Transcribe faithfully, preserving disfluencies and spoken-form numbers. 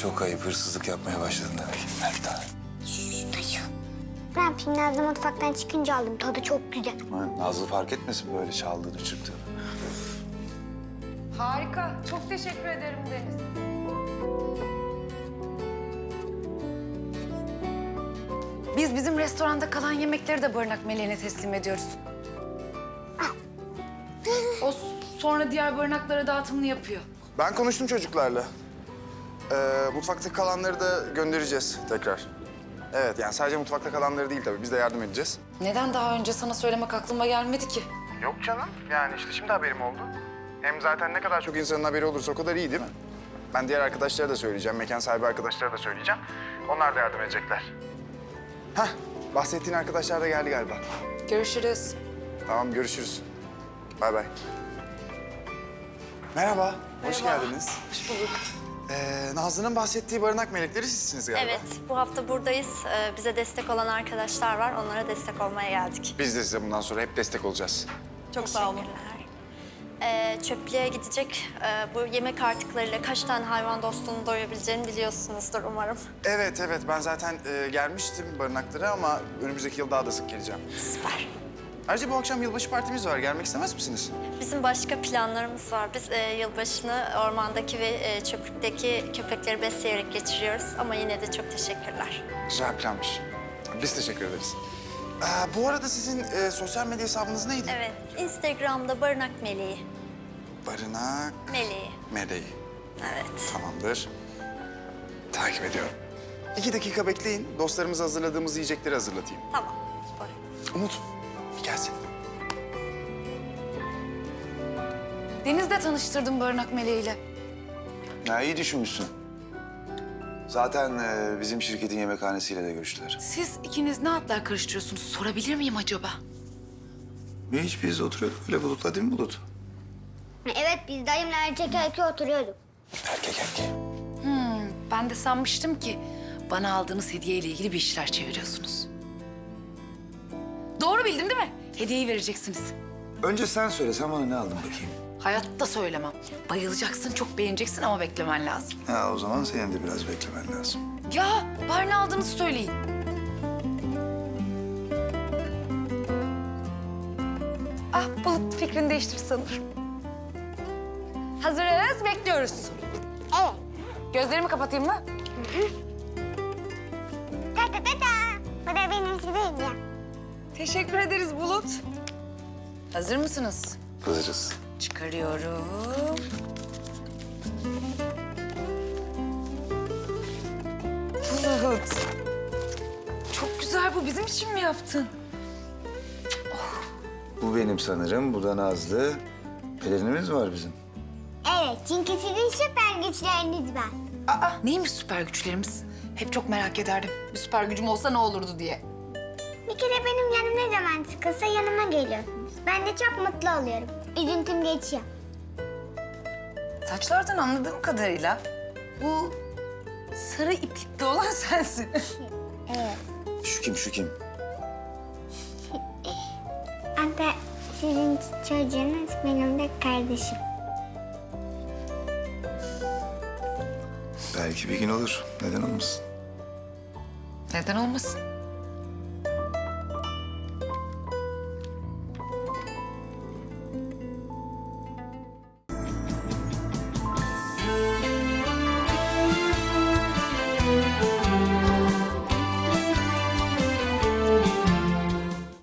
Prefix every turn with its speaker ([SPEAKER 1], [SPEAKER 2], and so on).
[SPEAKER 1] çok ayıp. Hırsızlık yapmaya başladın demek. Ver bir tane.
[SPEAKER 2] Şşş dayı. Ne yapayım? Nazlı mutfaktan çıkınca aldım. Tadı çok güzel.
[SPEAKER 1] Ha, Nazlı fark etmesin böyle çaldığını, çırptığını.
[SPEAKER 3] Harika. Çok teşekkür ederim Deniz. Biz bizim restoranda kalan yemekleri de barınak meleğine teslim ediyoruz. O sonra diğer barınaklara dağıtımını yapıyor.
[SPEAKER 4] Ben konuştum çocuklarla. Ee, mutfakta kalanları da göndereceğiz tekrar. Evet, yani sadece mutfakta kalanları değil tabii. Biz de yardım edeceğiz.
[SPEAKER 3] Neden daha önce sana söylemek aklıma gelmedi ki?
[SPEAKER 4] Yok canım. Yani işte şimdi haberim oldu. Hem zaten ne kadar çok insanın haberi olursa o kadar iyi değil mi? Ben diğer arkadaşlara da söyleyeceğim. Mekan sahibi arkadaşlara da söyleyeceğim. Onlar da yardım edecekler. Hah, bahsettiğin arkadaşlar da geldi galiba.
[SPEAKER 3] Görüşürüz.
[SPEAKER 4] Tamam, görüşürüz. Bay bay. Merhaba, hoş
[SPEAKER 3] Merhaba.
[SPEAKER 4] geldiniz.
[SPEAKER 3] Hoş bulduk.
[SPEAKER 4] Ee, Nazlı'nın bahsettiği barınak melekleri sizsiniz galiba.
[SPEAKER 5] Evet, bu hafta buradayız. Ee, bize destek olan arkadaşlar var. Onlara destek olmaya geldik.
[SPEAKER 4] Biz de size bundan sonra hep destek olacağız.
[SPEAKER 5] Çok sağ olun. Ee, çöplüğe gidecek e, bu yemek artıklarıyla kaç tane hayvan dostunu doyabileceğini biliyorsunuzdur umarım.
[SPEAKER 4] Evet, evet. Ben zaten e, gelmiştim barınaklara ama önümüzdeki yıl daha da sık geleceğim.
[SPEAKER 5] Süper.
[SPEAKER 4] Ayrıca bu akşam yılbaşı partimiz var. Gelmek istemez misiniz?
[SPEAKER 5] Bizim başka planlarımız var. Biz e, yılbaşını ormandaki ve e, çöplükteki köpekleri besleyerek geçiriyoruz. Ama yine de çok teşekkürler.
[SPEAKER 4] Güzel planmış. Biz teşekkür ederiz. Ee, bu arada sizin e, sosyal medya hesabınız neydi?
[SPEAKER 5] Evet, Instagram'da Barınak Meleği.
[SPEAKER 4] Barınak
[SPEAKER 5] Meleği,
[SPEAKER 4] Meleği.
[SPEAKER 5] evet.
[SPEAKER 4] Tamamdır. Takip ediyorum. İki dakika bekleyin. Dostlarımıza hazırladığımız yiyecekleri hazırlatayım.
[SPEAKER 5] Tamam, süper.
[SPEAKER 4] Umut, bir gelsin.
[SPEAKER 3] Deniz'le tanıştırdım barınak meleğiyle.
[SPEAKER 1] Ya iyi düşünmüşsün. Zaten e, bizim şirketin yemekhanesiyle de görüştüler.
[SPEAKER 3] Siz ikiniz ne atlar karıştırıyorsunuz? Sorabilir miyim acaba?
[SPEAKER 1] Ve hiç biz oturuyorduk öyle Bulut'la değil mi Bulut?
[SPEAKER 2] Evet, biz dayımla erkek erkeğe oturuyorduk.
[SPEAKER 1] Erkek erkek.
[SPEAKER 3] Hmm, ben de sanmıştım ki bana aldığınız hediyeyle ilgili bir işler çeviriyorsunuz. Doğru bildim değil mi? Hediyeyi vereceksiniz.
[SPEAKER 1] Önce sen söyle, sen bana ne aldın bakayım?
[SPEAKER 3] Hayatta söylemem. Bayılacaksın, çok beğeneceksin ama beklemen lazım.
[SPEAKER 1] Ha o zaman senin de biraz beklemen lazım.
[SPEAKER 3] Ya, bari ne aldığınızı söyleyin. Ah, Bulut fikrini değiştir sanırım. Hazırız, bekliyoruz.
[SPEAKER 2] Evet.
[SPEAKER 3] Gözlerimi kapatayım mı?
[SPEAKER 2] Ta ta ta ta. Bu da benim size hediyem.
[SPEAKER 3] Teşekkür ederiz Bulut. Hazır mısınız?
[SPEAKER 1] Hazırız.
[SPEAKER 3] Çıkarıyorum. Bulut. Çok güzel bu. Bizim için mi yaptın?
[SPEAKER 1] Bu benim sanırım, bu da Nazlı. Pelerinimiz var bizim.
[SPEAKER 2] Evet, çünkü sizin süper güçleriniz var.
[SPEAKER 3] Aa, neymiş süper güçlerimiz? Hep çok merak ederdim. Bir süper gücüm olsa ne olurdu diye.
[SPEAKER 2] Bir kere benim yanım ne zaman sıkılsa yanıma geliyorsunuz. Ben de çok mutlu oluyorum. Üzüntüm geçiyor.
[SPEAKER 3] Saçlardan anladığım kadarıyla bu sarı iplikli olan sensin.
[SPEAKER 2] Evet.
[SPEAKER 1] Şu kim, şu kim?
[SPEAKER 2] Hatta sizin çocuğunuz benim de kardeşim.
[SPEAKER 1] Belki bir gün olur. Neden olmasın?
[SPEAKER 3] Neden olmasın?